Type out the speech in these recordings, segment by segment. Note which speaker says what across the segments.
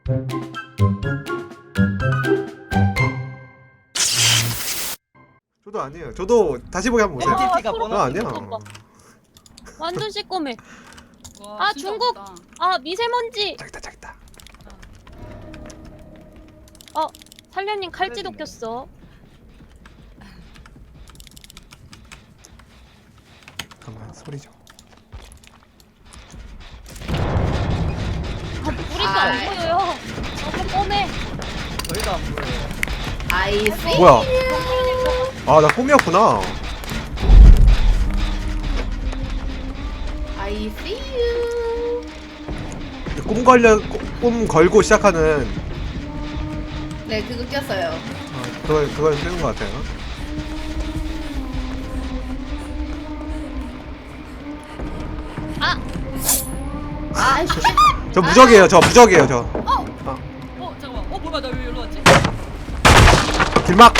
Speaker 1: 저도 아니에요. 저도 다시 보기 한번 보세요.
Speaker 2: NTT가
Speaker 1: 저
Speaker 2: 번호
Speaker 1: 아니야.
Speaker 3: 완전 시꺼매.
Speaker 4: 와,
Speaker 3: 아,
Speaker 4: 진짜
Speaker 3: 중국!
Speaker 4: 없다.
Speaker 3: 아, 미세먼지.
Speaker 1: 저기다.
Speaker 3: 살려님 칼찌도 꼈어.
Speaker 1: 잠깐만 소리 좀.
Speaker 3: 우리도 안 보여요. 너무 뻔해.
Speaker 2: 저희도 안 보여요.
Speaker 5: I see.
Speaker 1: 뭐야? 아, 나 꿈이었구나.
Speaker 5: I see you.
Speaker 1: 꿈 걸고 시작하는
Speaker 5: 네, 그거 꼈어요.
Speaker 1: 그걸 쓰는 것 같아요.
Speaker 5: 아, 씨.
Speaker 1: 저 무적이에요. 저 무적이에요. 저
Speaker 4: 잠깐만. 뭐야, 나 왜 여기로 왔지?
Speaker 1: 길막.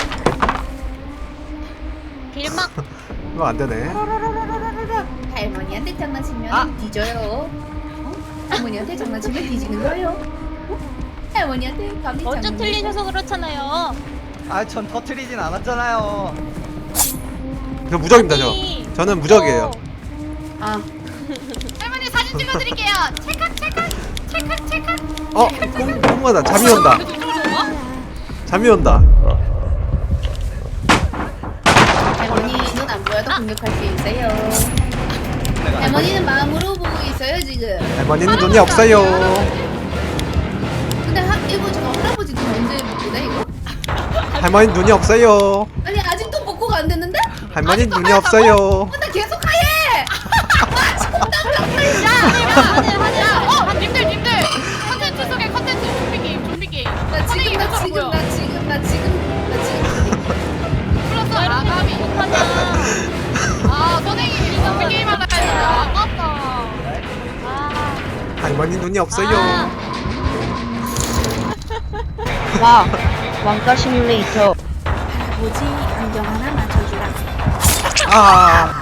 Speaker 3: 길막.
Speaker 1: 이거 안 되네.
Speaker 5: 할머니한테 장난치면
Speaker 2: 아.
Speaker 5: 뒤져요. 할머니한테 장난치면 뒤지는 거예요. 할머니한테 감히
Speaker 3: 먼저
Speaker 5: 장난치면
Speaker 3: 틀리셔서 그렇잖아요.
Speaker 2: 아, 전 터트리진 않았잖아요.
Speaker 1: 저 무적입니다.
Speaker 3: 아니,
Speaker 1: 저는 무적이에요.
Speaker 5: 아,
Speaker 4: 할머니 사진 찍어드릴게요. 찰칵.
Speaker 1: 꿈마다 잠이 온다.
Speaker 4: 계속 이쪽으로 와?
Speaker 1: 잠이 온다.
Speaker 5: 할머니 눈 안 보여도 공격할 수 있어요. 할머니는 마음으로 보고 있어요 지금.
Speaker 1: 할머니는 눈이 없어요.
Speaker 5: 근데 이거 잠깐 할아버지 눈 언제 먹고네 이거?
Speaker 1: 할머니 눈이 없어요.
Speaker 5: 아니 아직도 복구가 안 됐는데?
Speaker 1: 할머니 눈이 없어요.
Speaker 5: 나 계속 하얘.
Speaker 4: 님들. 컨텐츠 속에 컨텐츠 좀비 게임.
Speaker 5: 나 지금
Speaker 4: 플러스 아가미. 아, 선생님이 좀비 게임 하나 했는데 아깝다.
Speaker 1: 할머니 눈이 없어요.
Speaker 6: 와, 왕가 시뮬레이터.
Speaker 5: 뭐지 안경 하나 맞춰주라.
Speaker 1: 아,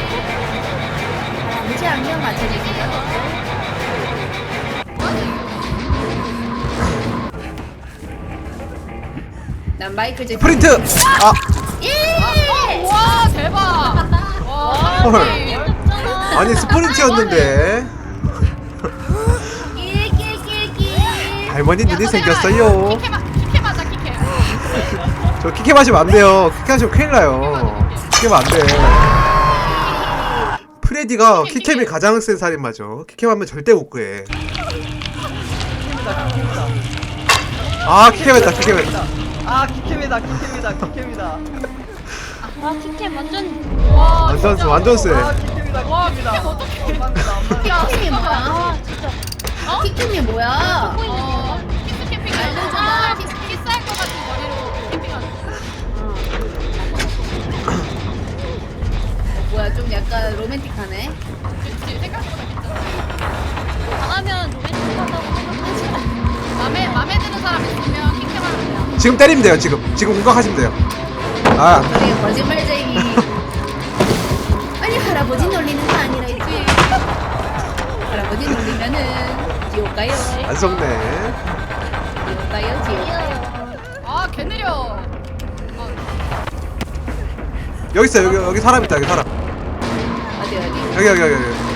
Speaker 5: 뭐지 안경 맞춰주세요. 난 마이클 잭슨.
Speaker 1: 프린트. 아,
Speaker 5: 예!
Speaker 4: 와, 대박. 와,
Speaker 1: 헐.
Speaker 4: 할머니.
Speaker 1: 아니 스프린트였는데.
Speaker 5: 끼끼끼끼.
Speaker 1: 할머니 눈이 생겼어요.
Speaker 4: 키케 맞아, 키케.
Speaker 1: 저 키케 마시면 안 돼요. 키케 마시면 큰일 나요. 키케 마안 돼. 프레디가 키캠이 가장 센 살인마죠. 키캠 하면 절대 못 구해. 아, 키캠 했다.
Speaker 2: 아, 키캠이다.
Speaker 3: 아, 키캠 완전.
Speaker 4: 와,
Speaker 1: 완전 세.
Speaker 2: 아, 키캠이다.
Speaker 4: 와, 키캠 어떡해.
Speaker 5: 키킴이 뭐야?
Speaker 3: 아, 진짜.
Speaker 5: 키킴이 뭐야?
Speaker 4: 키스 캠핑 알려줘봐. 키스할 것 같은 머리로 캠핑하는
Speaker 5: 뭐야 좀 약간 로맨틱하네.
Speaker 4: 그치, 생각보다 괜찮아.
Speaker 3: 당하면 로맨틱하다고 생각하지.
Speaker 4: 맘에 드는 사람 있으면 키캠하면 돼요.
Speaker 1: 지금 때리면 돼요. 지금 공격하시면 돼요. 아,
Speaker 5: 우리 거짓말쟁이. 아니 할아버지 놀리는 거 아니라 했지. 할아버지 놀리면은 지옥 가요.
Speaker 1: 안 속네.
Speaker 5: 지옥 가요 지옥.
Speaker 4: 아, 개 느려.
Speaker 1: 여기 있어. 여기 사람 있다. 여기 사람.
Speaker 5: 어디
Speaker 1: 여기.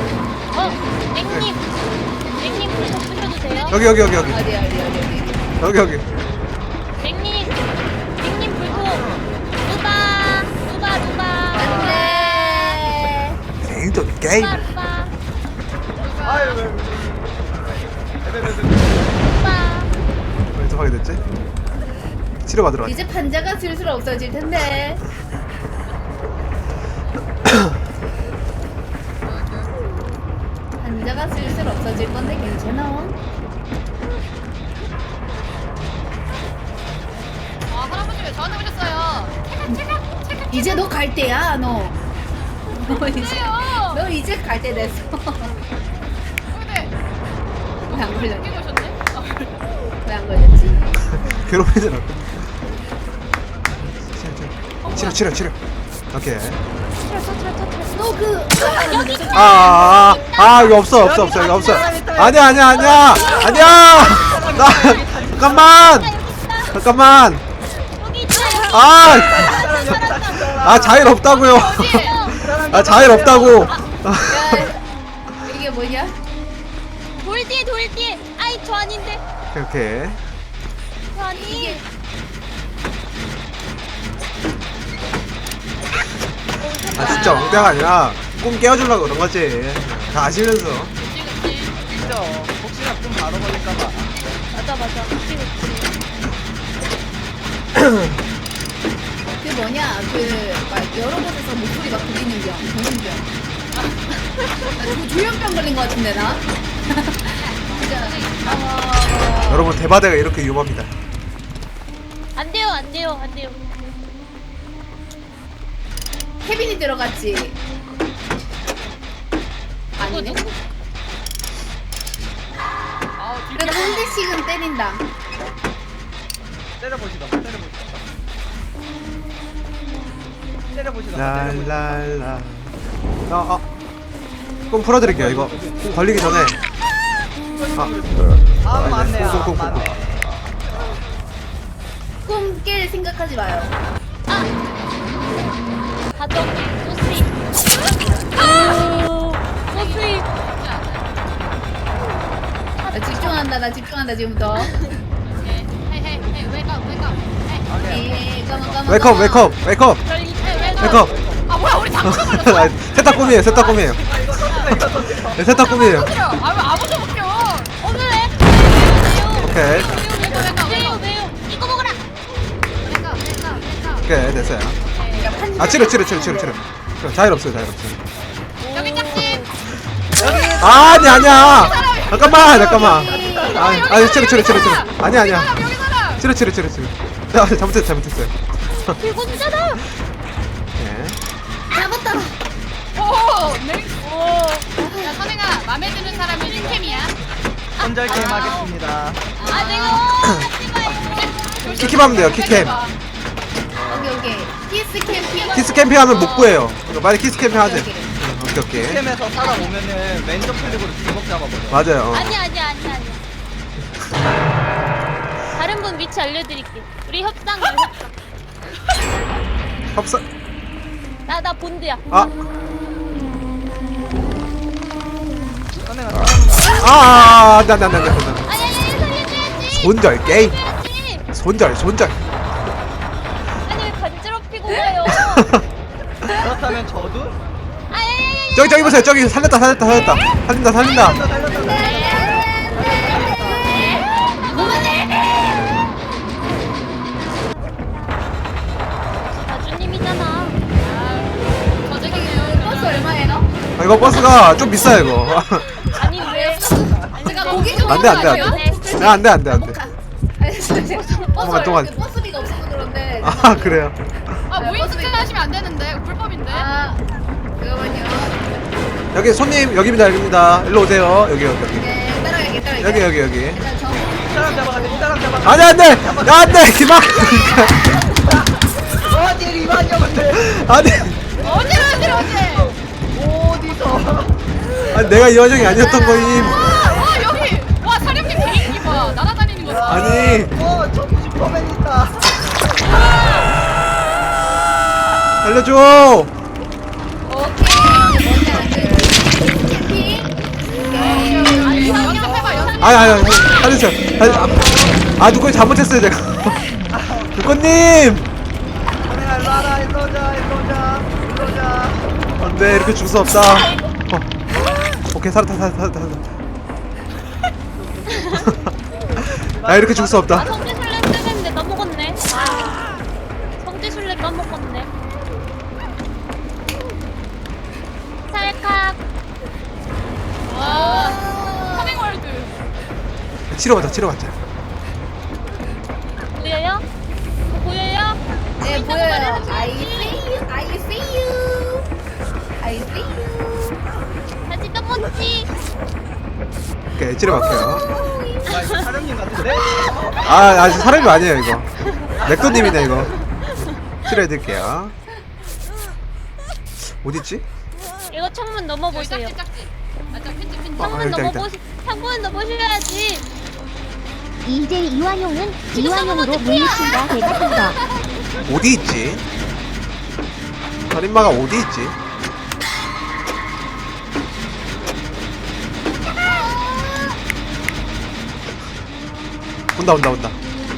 Speaker 3: 땡님 불좀 끄셔주세요.
Speaker 1: 여기.
Speaker 5: 어디.
Speaker 3: 땡님 불통. 루바.
Speaker 5: 안돼.
Speaker 1: 생존 게임.
Speaker 3: 루바.
Speaker 2: 아유,
Speaker 3: 루바.
Speaker 1: 왜 하게 됐지? 치료받으러 왔지.
Speaker 5: 이제 판자가 슬슬 없어질 텐데. 판자가 슬슬 없어질 건데 괜찮아?
Speaker 4: 아, 할아버지 왜 저한테 오셨어요? 체크.
Speaker 5: 이제 너 갈 때야 너.
Speaker 4: 왜요?
Speaker 5: 너 이제 갈 때 됐어.
Speaker 4: 근데
Speaker 5: 왜 안 걸렸지?
Speaker 4: 웃기고 오셨네?
Speaker 5: 왜 안 걸렸지?
Speaker 1: 괴롭히잖아. 치료. 오케이.
Speaker 5: 너그
Speaker 1: 이거 없어. 이거 없어. 아니야. 나 잠깐만. 잠깐만.
Speaker 3: 여기 있다.
Speaker 1: 아 자일 없다고요. 아 자일 없다고.
Speaker 5: 야, 이게 뭐냐?
Speaker 3: 돌 뒤에. 아이 저 아닌데.
Speaker 1: 오케이.
Speaker 3: 저 아니.
Speaker 1: 아 진짜 엉대가 아니라 꿈 깨워주려고 그런 거지. 다 아시면서.
Speaker 2: 진짜 혹시나 좀 바로 걸릴까봐.
Speaker 3: 맞아. 그치.
Speaker 5: 그 뭐냐? 막 여러 곳에서 목소리가 들리는 병, 조현병. 나 조현병 걸린 것 같은데 나? 진짜.
Speaker 1: 여러분 대바대가 이렇게 위험합니다.
Speaker 3: 안 돼요.
Speaker 5: 케빈이 들어갔지. 아니네. 그래도 한 대씩은 때린다.
Speaker 2: 때려보시다.
Speaker 1: 랄랄라. 꿈 풀어드릴게요. 이거 꿈 걸리기 전에.
Speaker 2: 아 맞네요.
Speaker 1: 쿵쿵쿵쿵.
Speaker 2: 맞네.
Speaker 5: 꿈 깰 생각하지 마요.
Speaker 3: 가동. 소스이. 소스이.
Speaker 5: 나 집중한다 지금부터.
Speaker 4: 헤이 웨이크업
Speaker 5: 예, 까만.
Speaker 1: 웨이크업.
Speaker 3: 웨이크업.
Speaker 4: 아 뭐야 우리 당근 걸렸어
Speaker 1: 셋다 꿈이에요. 네, 셋다 꿈이에요.
Speaker 4: 아무도 못 껴.
Speaker 3: 오늘
Speaker 1: 오케이.
Speaker 3: 왜요? 이거 먹어라.
Speaker 1: 오케이 됐어요. 아 치료. 자일 없어요.
Speaker 4: 여기 짝지.
Speaker 1: 아니야. 잠깐만. 아니 치료. 아니야.
Speaker 4: 여기 사람.
Speaker 1: 치료. 잘못했어요.
Speaker 3: 들고 주잖아.
Speaker 1: 네.
Speaker 5: 잡았다.
Speaker 4: 야 선행아 맘에 드는 사람은 링캠이야.
Speaker 2: 손절 게임 하겠습니다.
Speaker 3: 내가 하지 마요.
Speaker 1: 키캠하면 돼요. 키캠.
Speaker 5: 오케이.
Speaker 1: 키스 캠핑 하면 못 구해요. 만약 키스 캠핑 하지. 오케이.
Speaker 2: 캠에서 살아오면은 왼쪽 클릭으로 주먹 잡아버려.
Speaker 1: 맞아요.
Speaker 3: 아니야. 다른 분 위치 알려드릴게. 우리 협상.
Speaker 1: 합사.
Speaker 3: 나 본드야.
Speaker 1: 안돼.
Speaker 3: 아니 살려줘야지.
Speaker 1: 손절 게임.
Speaker 3: 살려줘야지.
Speaker 1: 손절.
Speaker 3: 아니 왜 간지럽히고 가요?
Speaker 2: 그렇다면 저도
Speaker 1: 저기 보세요. 저기 살린다.
Speaker 2: 살렸다.
Speaker 3: 나주님이잖아.
Speaker 5: 버스 얼마예요?
Speaker 1: 이거 버스가 좀 비싸요 이거.
Speaker 3: 아니 왜?
Speaker 5: 제가 고기 좀
Speaker 1: 안돼. 동안.
Speaker 5: 버스비가 없어서 그런데.
Speaker 1: 아 그래요.
Speaker 4: 무인 주차하시면 안 되는데 불법인데.
Speaker 5: 잠깐만요.
Speaker 1: 여기 손님 여기입니다. 일로 오세요. 여기.
Speaker 5: 네, 따라갈게.
Speaker 1: 여기.
Speaker 5: 일단 저
Speaker 2: 사람 잡아가지고.
Speaker 1: 안돼. 안돼. 기막.
Speaker 2: 어디 이만형인데?
Speaker 1: 아니.
Speaker 4: 어디로
Speaker 2: 어디서?
Speaker 1: 아니 내가 이 와중이 아니었던 거임.
Speaker 4: 와 여기 와 사령님 비행기 봐 날아다니는 거 봐.
Speaker 1: 아니.
Speaker 2: 저 슈퍼맨 있다.
Speaker 1: 알려줘. 아니 살려주세요. 누구 잘못했어요 제가. 누구님.
Speaker 2: 일로 오자.
Speaker 1: 안돼 이렇게 줄 수 없다. 오케이 살았다. 아 이렇게 줄 수 없다.
Speaker 3: 성지순례 뜨는데 까먹었네. 성지순례 까먹었네. 찰칵.
Speaker 4: 와 커밍월드.
Speaker 1: 치러 가자.
Speaker 3: 보여요? 보여요?
Speaker 5: 네, 보여요. I see you.
Speaker 3: 다시 떠먹지.
Speaker 1: 오케이 치러 갈게요.
Speaker 2: 이거 사령님 같은데?
Speaker 1: 아직 사람이 아니에요 이거. 맥도님이네 이거. 치료해드릴게요. 어딨지?
Speaker 3: 이거 창문 넘어보세요.
Speaker 4: 짝지. 맞아 핀지.
Speaker 1: 여기다.
Speaker 3: 창문 넘어보셔야지. 이제 이완용은 이완용으로 물리친다 대답한다.
Speaker 1: 어디 있지? 살인마가 어디 있지? 온다 온다 온다.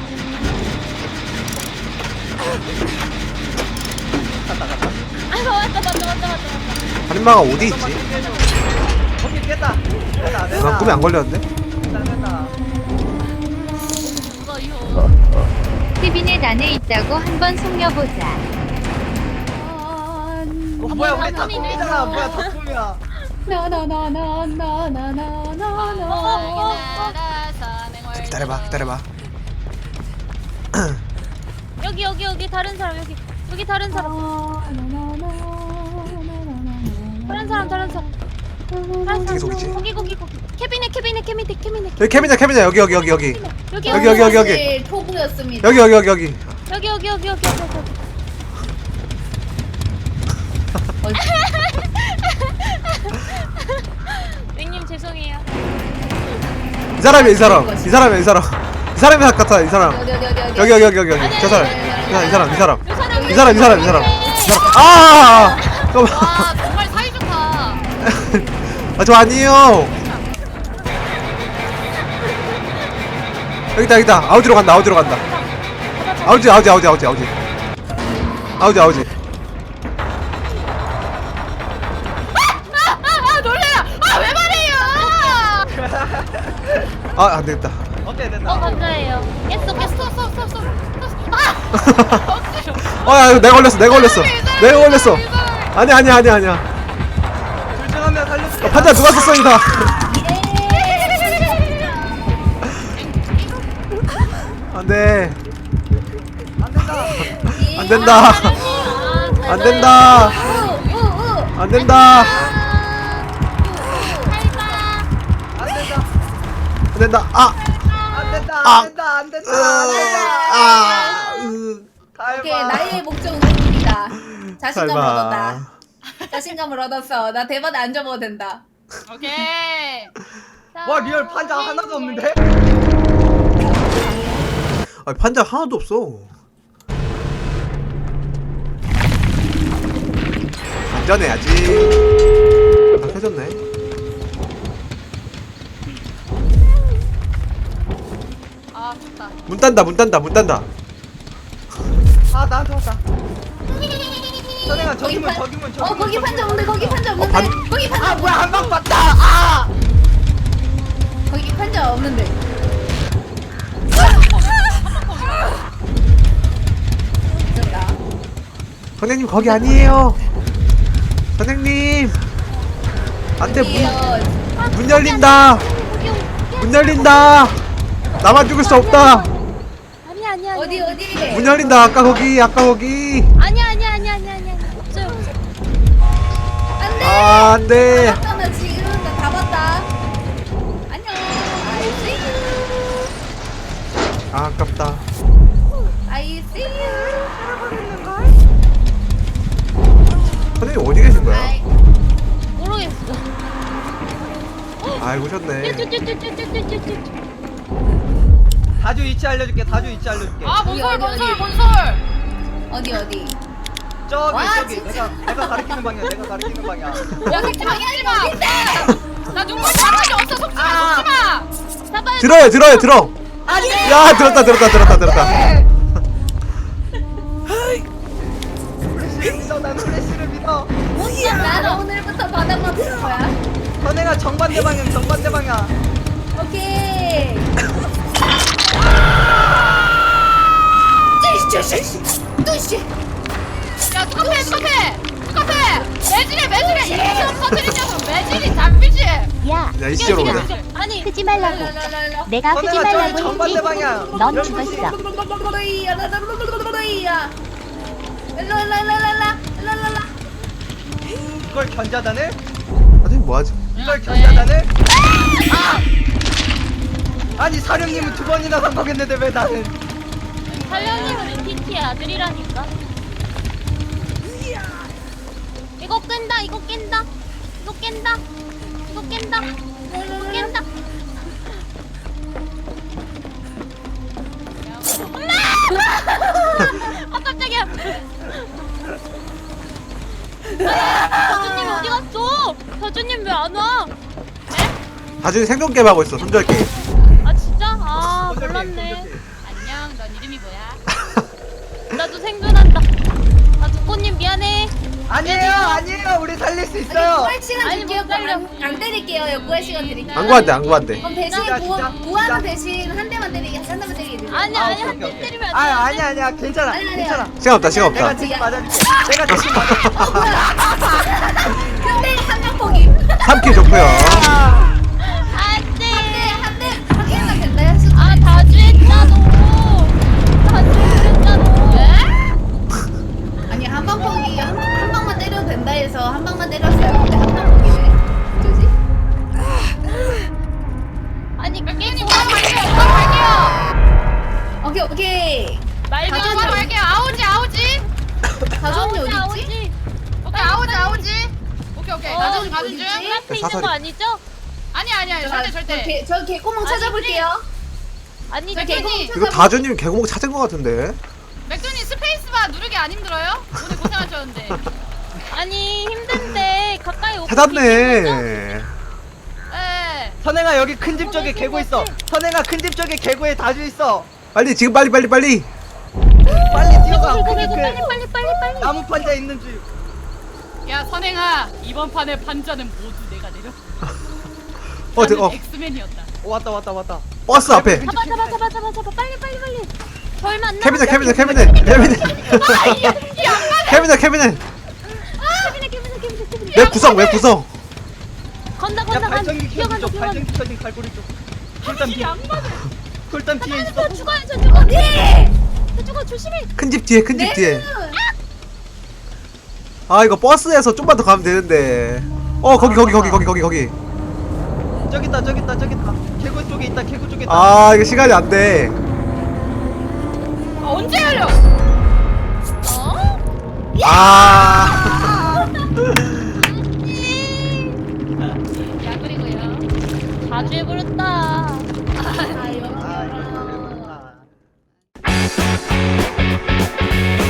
Speaker 3: 아이고 왔다.
Speaker 1: 살인마가 어디 있지?
Speaker 2: 오케이 깼다. 깼다.
Speaker 1: 난 꿈에 안 걸렸는데?
Speaker 2: 깼다.
Speaker 3: 케빈의 난에 있다고 한번 속여보자.
Speaker 2: 뭐야 우리 다
Speaker 3: 덕분이네.
Speaker 2: 꿈이잖아. 뭐야 덕분이야.
Speaker 1: 기다려봐 기다려봐.
Speaker 3: 여기 다른 사람 여기 다른 사람. 다른 사람.
Speaker 1: 어떻게 속이지?
Speaker 3: 거기. 케빈의
Speaker 1: 여기 케빈이야 여기
Speaker 5: 사실 토부였습니다.
Speaker 1: 여기.
Speaker 3: 맹님 죄송해요.
Speaker 1: 이 사람이야 이 사람이 같아 이 사람. 여기 저 사람 이 사람. 아 잠깐만.
Speaker 4: 와 정말 사이좋다.
Speaker 1: 아, 저 아니에요. 여기다. 아우지로 간다. 아우지.
Speaker 4: 놀래라. 왜 말해요?
Speaker 1: 아, 안 되겠다.
Speaker 2: 오케이 됐다.
Speaker 3: 감사해요. 깼어.
Speaker 1: 야, 이거 내가 걸렸어. 아니야.
Speaker 2: 둘 중 한 명 살렸어.
Speaker 1: 판자 누가 썼어, 이거 다. 안 돼.
Speaker 2: 안 된다.
Speaker 1: 안 된다. 안 된다.
Speaker 2: 안 된다.
Speaker 5: 오케이 나의 목적은 성공이다. 자신감을
Speaker 1: 설마.
Speaker 5: 얻었다. 자신감을 얻었어. 나 대본 안 접어도 된다.
Speaker 4: 오케이.
Speaker 2: 와 리얼 판자 하나도 없는데?
Speaker 1: 아, 판자 하나도 없어. 안전해야지. 아, 켜졌네.
Speaker 4: 아 좋다.
Speaker 1: 문 딴다.
Speaker 2: 아 나한테 왔다. 선생아 저기 문.
Speaker 5: 거기 판자 없는데 거기 판자 없는데
Speaker 1: 반-
Speaker 5: 거기 판자
Speaker 2: 아 뭐야 한 방 봤다. 아.
Speaker 5: 거기 판자 없는데 미쳤다.
Speaker 1: 선생님 거기 아니에요. 선생님. 안돼 문 열린다. 나만 죽을 수 없다.
Speaker 3: 아니야.
Speaker 5: 어디
Speaker 1: 문 열린다. 아까 거기.
Speaker 3: 아니야. 없어요.
Speaker 5: 안돼
Speaker 1: 아, 안돼.
Speaker 5: 나 지금 나 다 봤다. 안녕
Speaker 1: 아, 아깝다.
Speaker 5: I see you.
Speaker 1: 선생님 어디 계신 거야?
Speaker 5: I
Speaker 3: 모르겠어.
Speaker 1: 아이고 오셨네.
Speaker 2: 다주 위치 알려줄게.
Speaker 4: 아 뭔설.
Speaker 5: 어디
Speaker 2: 저기
Speaker 5: 와,
Speaker 2: 저기
Speaker 5: 진짜.
Speaker 2: 내가 가리키는 방향.
Speaker 4: 야 속지마. 나 눈물 자국이 없어. 속지마.
Speaker 3: 잡아요.
Speaker 1: 들어. 야, 들었다.
Speaker 2: 플래시를 믿어. 난 플래시를 믿어.
Speaker 5: 나는 오늘부터 바닥만 볼 거야.
Speaker 2: 선생아 정반대 방향.
Speaker 5: 오케이. 뚜시.
Speaker 4: 야 카페. 매질해. 이렇게 터뜨리냐고 매질이 잡히지.
Speaker 3: 야.
Speaker 1: 야, 이씨로 오네.
Speaker 3: 아니 크지 말라고.
Speaker 5: 랄랄랄랄라.
Speaker 3: 내가 크지
Speaker 2: 선생아 저기
Speaker 3: 말라고
Speaker 2: 정반대
Speaker 3: 했지.
Speaker 2: 방향.
Speaker 3: 넌 죽었어.
Speaker 5: 랄랄랄랄랄라.
Speaker 2: 이걸 견자단을?
Speaker 1: 선생님 뭐하지?
Speaker 2: 이걸 견자단을? 아니 사령님은 2번이나 성공했는데 왜 나는?
Speaker 3: 살려님은 NTT의 아들이라니까. 이거 깬다. 깜짝이야. 다주님 어디 갔어? 다주님 왜 안 와?
Speaker 1: 다준이 생존 게임 하고 있어. 손절 게임.
Speaker 3: 아 진짜? 아 몰랐네.
Speaker 4: 안녕. 넌 이름이 뭐야?
Speaker 3: 나도 생존한다. 아 두꺼님 미안해.
Speaker 2: 아니에요. 우리 살릴 수 있어요.
Speaker 5: 구할 시간
Speaker 3: 아니,
Speaker 5: 줄게요.
Speaker 3: 못 살려.
Speaker 5: 안 때릴게요. 구할 시간 드릴게요.
Speaker 1: 안 구한대 안 구한대.
Speaker 5: 그럼 대신
Speaker 2: 진짜, 진짜,
Speaker 5: 구하는
Speaker 2: 진짜.
Speaker 5: 대신 한 대만 때리게, 한 대만 때리게 드릴게요.
Speaker 3: 아니
Speaker 2: 아,
Speaker 3: 아니
Speaker 2: 오케이,
Speaker 3: 한
Speaker 2: 오케이,
Speaker 3: 대
Speaker 2: 오케이.
Speaker 3: 때리면 안 돼.
Speaker 2: 아니야. 괜찮아.
Speaker 5: 아니, 아니야.
Speaker 2: 괜찮아.
Speaker 1: 시간 없다 시간
Speaker 2: 내가
Speaker 1: 없다.
Speaker 2: 대신 맞아줄게. 내가 대신 맞아줄게.
Speaker 5: 근데 한명 포기.
Speaker 1: 3킬 좋고요.
Speaker 3: 안돼.
Speaker 5: 한 대만 된다 했어.
Speaker 3: 아 다주했잖아. 다주했잖아.
Speaker 5: 아니 한 방 포기 한 방만 때려도 된다 해서 한 방만 때렸어요. 근데 한 방 포기네. 어쩌지?
Speaker 3: 아니 그게
Speaker 4: 백현님 바로 갈게요. 바로 갈게요.
Speaker 5: 오케이.
Speaker 3: 말도
Speaker 4: 바로
Speaker 3: 안 돼.
Speaker 4: 갈게요. 아오지.
Speaker 5: 다솜이 어디 있지?
Speaker 4: 오케이 아오지. 오케이. 가는 중.
Speaker 5: 어디 있지?
Speaker 3: 앞에 있는
Speaker 1: 사설이.
Speaker 3: 거 아니죠?
Speaker 4: 아니야. 절대.
Speaker 5: 저 개구멍
Speaker 3: 아니,
Speaker 5: 찾아볼게요.
Speaker 3: 아니
Speaker 4: 저
Speaker 3: 저기
Speaker 4: 개구멍
Speaker 1: 이거 다준님 개구멍 찾은 것 같은데.
Speaker 4: 맥주님 스페이스바 누르기 안 힘들어요? 오늘 고생하셨는데.
Speaker 3: 아니 힘든데 가까이 오고
Speaker 1: 찾았네.
Speaker 4: 네.
Speaker 2: 선행아 여기 큰 집 쪽에 개구 있어. 선행아 큰 집 쪽에 개구에 다주 있어.
Speaker 1: 빨리 지금 빨리.
Speaker 2: 빨리 뛰어가.
Speaker 3: 개구
Speaker 2: 큰 집
Speaker 3: 빨리.
Speaker 2: 나무 판자 있는 집.
Speaker 4: 야 선행아 이번 판의 판자는 모두 내가 내려.
Speaker 1: 어
Speaker 4: 엑스맨이었다.
Speaker 2: 왔다.
Speaker 1: 버스 앞에.
Speaker 3: 잡아 빨리. 절 만나.
Speaker 1: 캐비넷. 왜 구성?
Speaker 3: 건다
Speaker 2: 야 발전기 켜진
Speaker 3: 뛰어간다.
Speaker 2: 쪽. 발전기 켜진 갈고리 쪽. 쿨단 뒤에. 쿨단 뒤에 있어.
Speaker 3: 저 죽어. 저 죽어 조심해.
Speaker 1: 큰 집 뒤에. 아 이거 버스에서 좀만 더 가면 되는데. 거기.
Speaker 2: 저기 있다. 개구 쪽에 있다.
Speaker 1: 아 이거 시간이 안 돼.
Speaker 4: 언제 열려?
Speaker 1: 아.
Speaker 4: 야 그리고요.
Speaker 3: 자주 해버렸다.
Speaker 5: 아유.
Speaker 2: 아.